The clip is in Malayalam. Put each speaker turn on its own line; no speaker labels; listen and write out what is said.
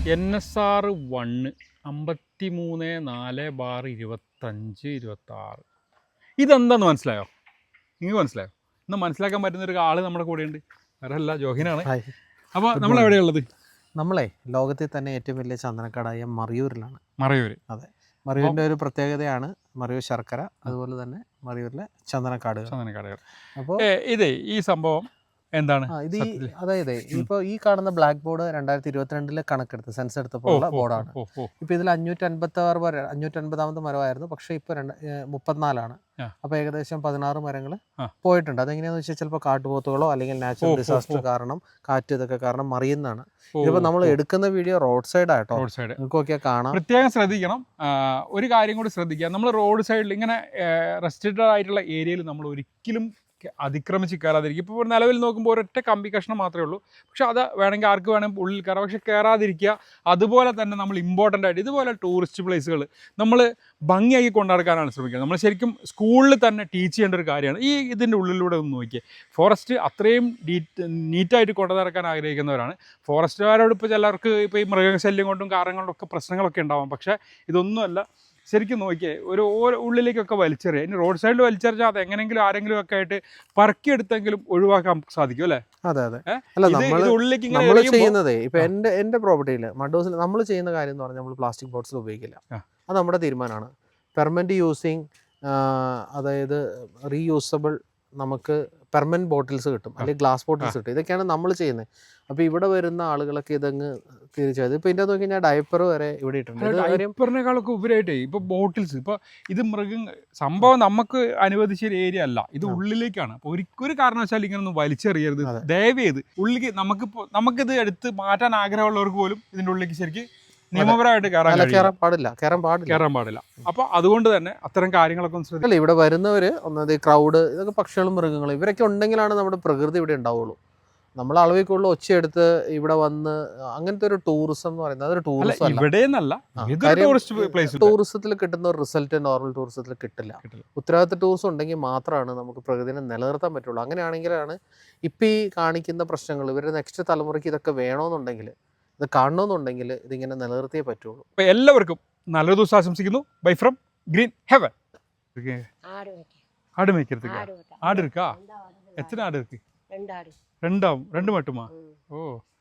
NSR 1 53/4/25-26 ഇതെന്താന്ന് മനസ്സിലായോ? നിങ്ങൾക്ക് മനസ്സിലായോ? ഇന്ന് മനസ്സിലാക്കാൻ പറ്റുന്ന ഒരു ആൾ നമ്മുടെ കൂടെയുണ്ട്. വേറെ അല്ല, ജോഹിനാണ്. അപ്പോൾ നമ്മൾ എവിടെയുള്ളത്?
നമ്മളെ ലോകത്തിൽ തന്നെ ഏറ്റവും വലിയ ചന്ദനക്കാടായ മറയൂരിലാണ്.
മറയൂർ.
അതെ, മറയൂരിൻ്റെ ഒരു പ്രത്യേകതയാണ് മറയൂർ ശർക്കര, അതുപോലെ തന്നെ മറയൂരിലെ ചന്ദനക്കാടുകൾ.
അപ്പോൾ ഇതേ ഈ സംഭവം എന്താണ്?
അതായത് ഇപ്പോൾ ഈ കാണുന്ന ബ്ലാക്ക് ബോർഡ് 2022 കണക്കെടുത്ത് സെൻസ് എടുത്തപ്പോൾ ഉള്ള ബോർഡാണ്. ഇപ്പോൾ ഇതിൽ 550 മരമായിരുന്നു, പക്ഷേ ഇപ്പോൾ 34ആണ്. അപ്പോൾ ഏകദേശം 16 മരങ്ങൾ പോയിട്ടുണ്ട്. അതെങ്ങനെയാണെന്ന് വെച്ചാൽ ചിലപ്പോൾ കാട്ടുപോത്തുകളോ അല്ലെങ്കിൽ നാച്ചുറൽ ഡിസാസ്റ്റർ കാരണം, കാറ്റ് ഇതൊക്കെ കാരണം മറിയുന്നതാണ്. ഇതിപ്പോൾ നമ്മൾ എടുക്കുന്ന വീഡിയോ റോഡ് സൈഡ് ആട്ടോ, നിങ്ങൾക്കൊക്കെ കാണാം.
പ്രത്യേകം ശ്രദ്ധിക്കണം. ഒരു കാര്യം കൂടി ശ്രദ്ധിക്കുക, നമ്മൾ റോഡ് സൈഡിൽ ഇങ്ങനെ റെസ്ട്രിക്റ്റഡ് ആയിട്ടുള്ള ഏരിയയിൽ നമ്മൾ ഒരിക്കലും അതിക്രമിച്ച് കയറാതിരിക്കും. ഇപ്പോൾ നിലവിൽ നോക്കുമ്പോൾ ഒരൊറ്റ കമ്പി കഷ്ണം മാത്രമേ ഉള്ളൂ, പക്ഷെ അത് വേണമെങ്കിൽ ആർക്ക് വേണമെങ്കിൽ ഉള്ളിൽ കയറാം, പക്ഷെ കയറാതിരിക്കുക. അതുപോലെ തന്നെ നമ്മൾ ഇമ്പോർട്ടൻ്റ് ആയിട്ട് ഇതുപോലെ ടൂറിസ്റ്റ് പ്ലേസുകൾ നമ്മൾ ഭംഗിയാക്കി കൊണ്ടുനടക്കാനാണ് ശ്രമിക്കുക. നമ്മൾ ശരിക്കും സ്കൂളിൽ തന്നെ ടീച്ച് ചെയ്യേണ്ട ഒരു കാര്യമാണ്. ഇതിൻ്റെ ഉള്ളിലൂടെ ഒന്ന് നോക്കിയേ, ഫോറസ്റ്റ് അത്രയും നീറ്റായിട്ട് കൊണ്ടു നടക്കാൻ ആഗ്രഹിക്കുന്നവരാണ്. ഫോറസ്റ്റുകാരോട് ഇപ്പോൾ ചിലർക്ക് ഇപ്പോൾ ഈ മൃഗശല്യം കൊണ്ടും കാരണം കൊണ്ടും ഒക്കെ പ്രശ്നങ്ങളൊക്കെ ഉണ്ടാവാം, പക്ഷേ ഇതൊന്നുമല്ല. ശരിക്കും നോക്കിയേ, ഒരു ഉള്ളിലേക്കൊക്കെ വലിച്ചെറിയുക. ഇനി റോഡ് സൈഡിൽ വലിച്ചെറിഞ്ഞാൽ അത് എങ്ങനെയെങ്കിലും ആരെങ്കിലും ഒക്കെ ആയിട്ട് പറക്കിയെടുത്തെങ്കിലും ഒഴിവാക്കാൻ സാധിക്കും അല്ലേ?
അതെ അതെ. അല്ല, നമ്മൾ ചെയ്യുന്നതേ ഇപ്പൊ എന്റെ പ്രോപ്പർട്ടിയിൽ മഡോസിൽ നമ്മൾ ചെയ്യുന്ന കാര്യം എന്ന് പറഞ്ഞാൽ നമ്മൾ പ്ലാസ്റ്റിക് ബോട്ടിൽ ഉപയോഗിക്കില്ല. അത് നമ്മുടെ തീരുമാനമാണ്. പെർമനന്റ് യൂസിങ്, അതായത് റീയൂസബിൾ, നമുക്ക് പെർമനന്റ് ബോട്ടിൽസ് കിട്ടും, അല്ലെങ്കിൽ ഗ്ലാസ് ബോട്ടിൽസ് കിട്ടും. ഇതൊക്കെയാണ് നമ്മൾ ചെയ്യുന്നത്. അപ്പോൾ ഇവിടെ വരുന്ന ആളുകളൊക്കെ ഇതങ്ങ് തീർച്ചയായും ഇപ്പോൾ ഇതിൻ്റെ നോക്കി ഞാൻ ഡയപ്പർ വരെ ഇവിടെ ഇട്ടുണ്ട്.
ഡയപ്പറിനേക്കാളൊക്കെ ഉപരിയായിട്ടേ ഇപ്പോൾ ബോട്ടിൽസ്, ഇപ്പോൾ ഇത് സംഭവം നമുക്ക് അനുവദിച്ച ഒരു ഏരിയ അല്ല, ഇത് ഉള്ളിലേക്കാണ്. അപ്പോൾ ഒരു കാരണവശാലും ഇങ്ങനെ ഒന്നും വലിച്ചെറിയരുത് ദയവ് ചെയ്ത്. ഉള്ളിലേക്ക് നമുക്കിത് എടുത്ത് മാറ്റാൻ ആഗ്രഹമുള്ളവർക്ക് പോലും ഇതിൻ്റെ ഉള്ളിലേക്ക് ശരിക്കും നിയമപരമായിട്ട് കയറാൻ പാടില്ല. അപ്പൊ അതുകൊണ്ട് തന്നെ അത്തരം കാര്യങ്ങളൊക്കെ ശ്രദ്ധിക്കില്ല.
ഇവിടെ വരുന്നവര് ഒന്നത് ക്രൗഡ്, ഇതൊക്കെ പക്ഷികളും മൃഗങ്ങളും ഇവരൊക്കെ ഉണ്ടെങ്കിലാണ് നമ്മുടെ പ്രകൃതി ഇവിടെ ഉണ്ടാവുള്ളൂ. നമ്മൾ അളവിൽ കൂടുതൽ ഒച്ചയെടുത്ത് ഇവിടെ വന്ന് അങ്ങനത്തെ ഒരു ടൂറിസം എന്ന് പറയുന്നത് അതൊരു ടൂറിസത്തിൽ കിട്ടുന്ന ഒരു റിസൾട്ട് നോർമൽ ടൂറിസത്തിൽ കിട്ടില്ല. ഉത്തരവാദിത്ത ടൂറിസം ഉണ്ടെങ്കിൽ മാത്രമാണ് നമുക്ക് പ്രകൃതിനെ നിലനിർത്താൻ പറ്റുള്ളൂ. അങ്ങനെയാണെങ്കിലാണ് ഇപ്പം ഈ കാണിക്കുന്ന പ്രശ്നങ്ങൾ ഇവരുടെ നെക്സ്റ്റ് തലമുറയ്ക്ക് ഇതൊക്കെ വേണമെന്നുണ്ടെങ്കിൽ, ഇത് കാണണമെന്നുണ്ടെങ്കിൽ ഇതിങ്ങനെ നിലനിർത്തിയേ പറ്റുള്ളൂ.
അപ്പോൾ എല്ലാവർക്കും നല്ലൊരു ദിവസം ആശംസിക്കുന്നു. Bye from green heaven. ஆடு மேய்க்கிறதுக்கு ஆடு இருக்கா? எத்தனை ஆடு இருக்கு? 2 மட்டுமா? ஓ.